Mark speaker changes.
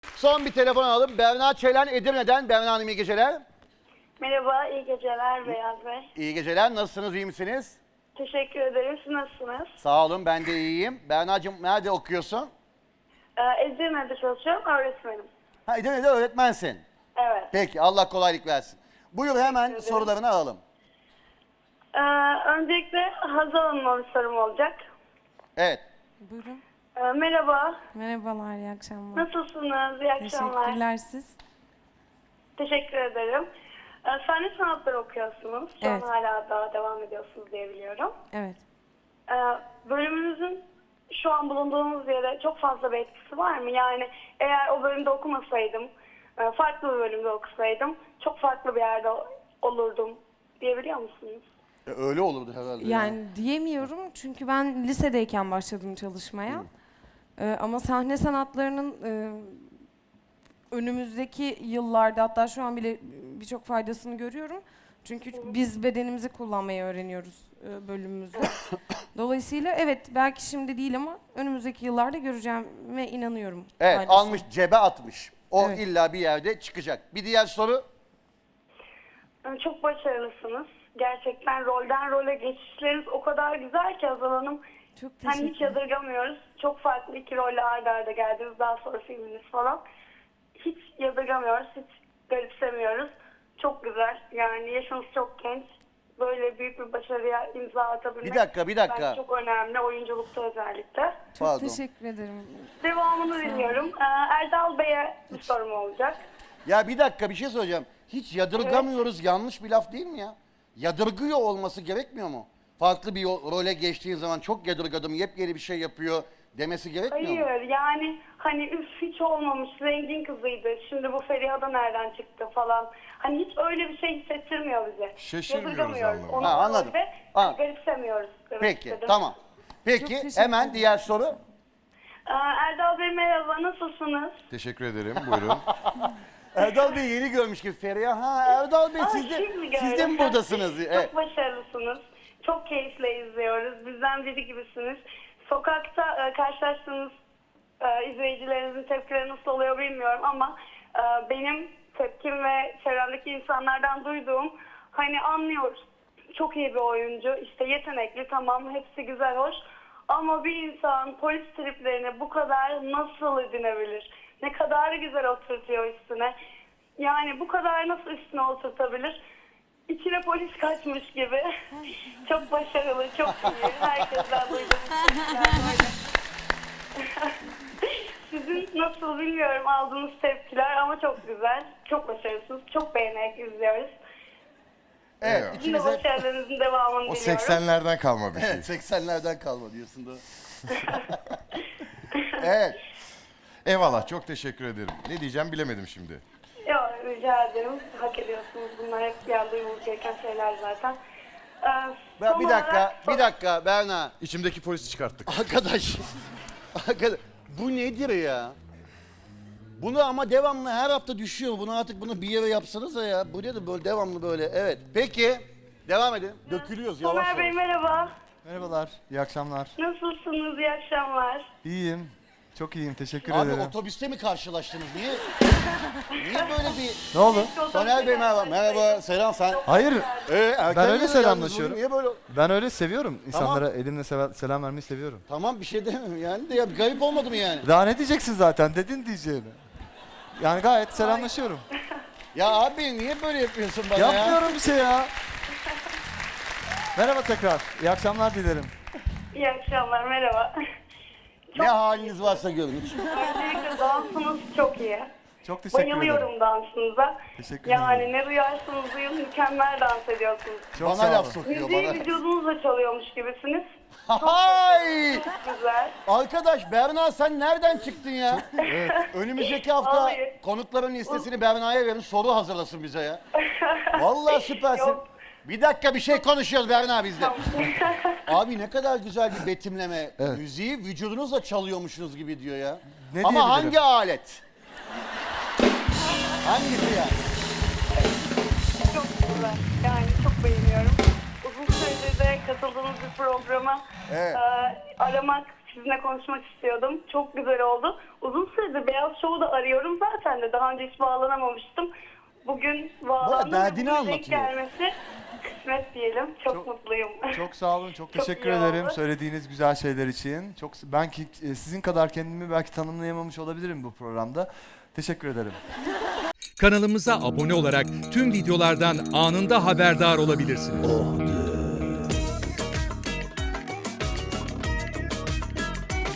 Speaker 1: Son bir telefon alalım. Berna Çelen Edirne'den. Berna Hanım iyi geceler.
Speaker 2: Merhaba, iyi geceler Beyaz Bey.
Speaker 1: İyi geceler. Nasılsınız, iyi misiniz?
Speaker 2: Teşekkür ederim. Siz nasılsınız?
Speaker 1: Sağ olun, ben de iyiyim. Berna'cığım nerede okuyorsun?
Speaker 2: Edirne'de çalışıyorum, öğretmenim.
Speaker 1: Ha, Edirne'de öğretmensin.
Speaker 2: Evet.
Speaker 1: Peki, Allah kolaylık versin. Buyur, hemen sorularını alalım.
Speaker 2: Öncelikle Hazal Hanım'a bir sorum olacak.
Speaker 1: Evet.
Speaker 3: Buyurun.
Speaker 2: Merhaba,
Speaker 3: Merhabalar, iyi akşamlar.
Speaker 2: nasılsınız? İyi akşamlar.
Speaker 3: Teşekkürler siz.
Speaker 2: Teşekkür ederim. Sahne sanatları okuyorsunuz. Şu
Speaker 3: Evet.
Speaker 2: an hala daha devam ediyorsunuz diye biliyorum.
Speaker 3: Evet.
Speaker 2: Bölümünüzün şu an bulunduğunuz yere çok fazla bir etkisi var mı? Yani eğer o bölümde okumasaydım, farklı bir bölümde okusaydım çok farklı bir yerde olurdum diyebiliyor musunuz?
Speaker 1: Öyle olurdu herhalde.
Speaker 3: Yani diyemiyorum çünkü ben lisedeyken başladım çalışmaya. Ama sahne sanatlarının önümüzdeki yıllarda, hatta şu an bile birçok faydasını görüyorum. Çünkü biz bedenimizi kullanmayı öğreniyoruz bölümümüzde. Dolayısıyla evet, belki şimdi değil ama önümüzdeki yıllarda göreceğime inanıyorum.
Speaker 1: Evet,
Speaker 3: faydasını.
Speaker 1: almış, cebe atmış. O
Speaker 3: Evet.
Speaker 1: illa bir yerde çıkacak. Bir diğer soru.
Speaker 2: Çok başarılısınız. Gerçekten rolden role geçişleriniz o kadar güzel ki Hazal Hanım.
Speaker 3: Çok
Speaker 2: Hani
Speaker 3: teşekkür
Speaker 2: hiç yadırgamıyoruz. Çok farklı iki rolle arda arda geldiniz. Daha sonra filminiz falan. Hiç yadırgamıyoruz. Hiç garipsemiyoruz. Çok güzel. Yani yaşınız çok genç. Böyle büyük bir başarıya imza atabilmek.
Speaker 1: Bir dakika.
Speaker 2: Bence çok önemli. Oyunculukta özellikle.
Speaker 3: Çok
Speaker 1: Pardon.
Speaker 3: teşekkür ederim.
Speaker 2: Devamını dinliyorum. Erdal Bey'e bir sorum olacak.
Speaker 1: Ya bir dakika, bir şey söyleyeceğim. Hiç yadırgamıyoruz, yanlış bir laf değil mi ya? Yadırgıyor olması gerekmiyor mu? Farklı bir role geçtiğin zaman çok yadırgadım, yepyeni bir şey yapıyor demesi gerekmiyor mu?
Speaker 2: Hayır, yani hani üf hiç olmamış, zengin kızıydı. Şimdi bu Feriha da nereden çıktı falan. Hani hiç öyle bir şey hissettirmiyor bize.
Speaker 4: Şaşırmıyoruz
Speaker 2: Yadırgamıyoruz.
Speaker 4: anlamında.
Speaker 2: Onu
Speaker 1: Ha, anladım.
Speaker 2: öyle
Speaker 1: Ha.
Speaker 2: garipsemiyoruz. demek
Speaker 1: Peki,
Speaker 2: istedim.
Speaker 1: tamam.
Speaker 3: Çok
Speaker 1: Peki,
Speaker 3: teşekkür
Speaker 1: hemen
Speaker 3: ederim.
Speaker 1: diğer soru.
Speaker 2: Erdal Bey merhaba, nasılsınız?
Speaker 4: Teşekkür ederim. Buyurun.
Speaker 1: Erdal Bey yeni görmüş gibi Feriha. Ha, Erdal Bey siz de
Speaker 2: gördüm.
Speaker 1: buradasınız. Evet.
Speaker 2: Çok başarılısınız. Çok keyifle izliyoruz. Bizden biri gibisiniz. Sokakta karşılaştığınız izleyicilerinizin tepkileri nasıl oluyor bilmiyorum ama benim tepkim ve çevremdeki insanlardan duyduğum, hani anlıyoruz. Çok iyi bir oyuncu, işte yetenekli, tamam, hepsi güzel, hoş. Ama bir insan polis triplerini bu kadar nasıl edinebilir? Ne kadar güzel oturtuyor üstüne. Yani bu kadar nasıl üstüne oturtabilir? İçine polis kaçmış gibi. Çok başarılı, çok iyi. Herkesten duyduğum şeyler böyle. Sizin nasıl bilmiyorum aldığınız tepkiler ama çok güzel. Çok başarılısınız. Çok beğenerek izliyoruz.
Speaker 1: Evet,
Speaker 4: Evet.
Speaker 2: Sizin de
Speaker 1: içinize...
Speaker 2: başarılarınızın devamını
Speaker 4: O
Speaker 2: diliyorum.
Speaker 4: 80'lerden kalma bir şey.
Speaker 1: Evet, 80'lerden kalma diyorsun da. Evet.
Speaker 4: Eyvallah, çok teşekkür ederim. Ne diyeceğim bilemedim şimdi.
Speaker 2: Yok, rica ederim. Hak ediyorsunuz. Bunlar hep bir anda duyulması gereken şeyler zaten. Son
Speaker 1: Bir
Speaker 2: olarak-
Speaker 1: dakika Berna.
Speaker 4: İçimdeki polisi çıkarttık.
Speaker 1: Arkadaş. Bu nedir ya? Bunu ama devamlı her hafta düşüyor. Bunu artık bir yere yapsanıza ya. Bu nedir böyle devamlı böyle? Evet. Peki. Devam edin. Dökülüyoruz yavaş
Speaker 2: Somer Bey
Speaker 1: yavaş.
Speaker 2: merhaba.
Speaker 5: Merhabalar, iyi akşamlar.
Speaker 2: Nasılsınız? İyi akşamlar.
Speaker 5: İyiyim, çok iyiyim, teşekkür
Speaker 1: Abi
Speaker 5: ederim.
Speaker 1: otobüste mi karşılaştınız? Niye böyle bir...
Speaker 5: Ne oldu?
Speaker 1: Soner Bey merhaba. Merhaba. Selam sen.
Speaker 5: Hayır,
Speaker 1: Erken
Speaker 5: Ben öyle
Speaker 1: yalnız
Speaker 5: selamlaşıyorum.
Speaker 1: bugün. Niye böyle?
Speaker 5: ben öyle seviyorum. İnsanlara elimle selam vermeyi seviyorum.
Speaker 1: Tamam bir şey demiyorum yani de ya garip olmadı mı yani?
Speaker 5: Daha ne diyeceksin zaten, dedin diyeceğini. Yani gayet selamlaşıyorum.
Speaker 1: Ya abi niye böyle yapıyorsun bana ya?
Speaker 5: Yapmıyorum bir şey ya. Merhaba tekrar, iyi akşamlar dilerim.
Speaker 2: İyi akşamlar. Merhaba.
Speaker 1: Ne haliniz varsa görün.
Speaker 2: Öncelikle dansınız çok iyi.
Speaker 5: Çok teşekkür ederim.
Speaker 2: Bayılıyorum dansınıza.
Speaker 5: Teşekkür
Speaker 2: Yani
Speaker 5: ederim.
Speaker 2: ne duyarsınız duyun mükemmel dans ediyorsunuz.
Speaker 5: Çok
Speaker 1: Bana
Speaker 5: sağ
Speaker 1: laf
Speaker 5: olun.
Speaker 1: sokuyor
Speaker 2: Müziği
Speaker 1: bana.
Speaker 2: vücudunuzla çalıyormuş gibisiniz.
Speaker 1: Hay!
Speaker 2: Çok güzel.
Speaker 1: Arkadaş Berna sen nereden çıktın ya? Önümüzdeki hafta
Speaker 2: Vallahi.
Speaker 1: konukların listesini Berna'ya verin soru hazırlasın bize ya. Vallahi süpersin.
Speaker 2: Yok.
Speaker 1: Bir dakika bir şey konuşuyoruz Berna bizde.
Speaker 2: Tamam.
Speaker 1: Abi ne kadar güzel bir betimleme.
Speaker 5: Evet.
Speaker 1: Müziği vücudunuzla çalıyormuşsunuz gibi diyor ya.
Speaker 5: Ne
Speaker 1: Ama hangi
Speaker 5: diyebilirim?
Speaker 1: alet? Hangisi ya?
Speaker 2: Çok güzel. Yani çok beğeniyorum. Uzun süredir de katıldığınız bir programa
Speaker 1: Evet.
Speaker 2: aramak sizinle konuşmak istiyordum. Çok güzel oldu. Uzun süredir Beyaz Show'u da arıyorum zaten de. Daha önce hiç bağlanamamıştım. Bugün bağlandım.
Speaker 1: derdini
Speaker 2: ve bugün denk
Speaker 1: anlatıyor.
Speaker 2: gelmesi kısmet diyelim. Çok mutluyum.
Speaker 5: Çok sağ olun, çok
Speaker 2: Çok
Speaker 5: teşekkür
Speaker 2: iyi
Speaker 5: ederim
Speaker 2: oldu.
Speaker 5: söylediğiniz güzel şeyler için. Sizin kadar kendimi belki tanımlayamamış olabilirim bu programda. Teşekkür ederim.
Speaker 6: Kanalımıza abone olarak tüm videolardan anında haberdar olabilirsiniz.